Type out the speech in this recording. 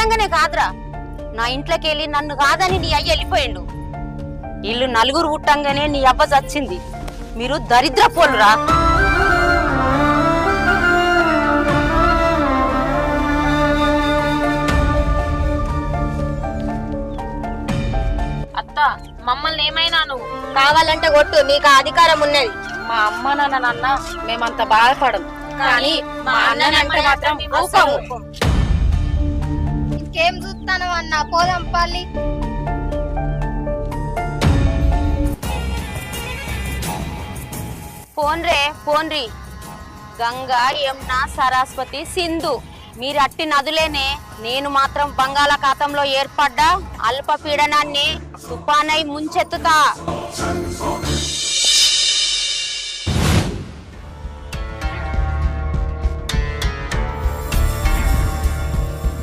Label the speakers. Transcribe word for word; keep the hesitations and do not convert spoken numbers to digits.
Speaker 1: పుట్టంగానే కాదురా, నా ఇంట్లోకి వెళ్ళి నన్ను కాదని నీ అయ్య వెళ్ళిపోయిండు. ఇల్లు నలుగురు పుట్టంగానే నీ అవ్వ చచ్చింది. మీరు దరిద్ర పోలురా.
Speaker 2: అత్త మమ్మల్ని ఏమైనా నువ్వు
Speaker 1: కావాలంటే కొట్టు, నీకు ఆ అధికారం ఉన్నది.
Speaker 2: మా అమ్మ నాన్న నాన్న మేమంత బాధపడము, కానీ మా అన్ననంటే మాత్రం ఊపము.
Speaker 3: ఇంకేం చూస్తాను అన్న, పోదాం పల్లి.
Speaker 1: ఫోన్ రే ఫోన్ రీ. గంగా, యమున, సరస్వతి, సింధు మీరు అట్టి నదులేనే. నేను మాత్రం బంగాళాఖాతంలో ఏర్పడ్డ అల్పపీడనాన్ని తుఫానై ముంచెత్తుతా.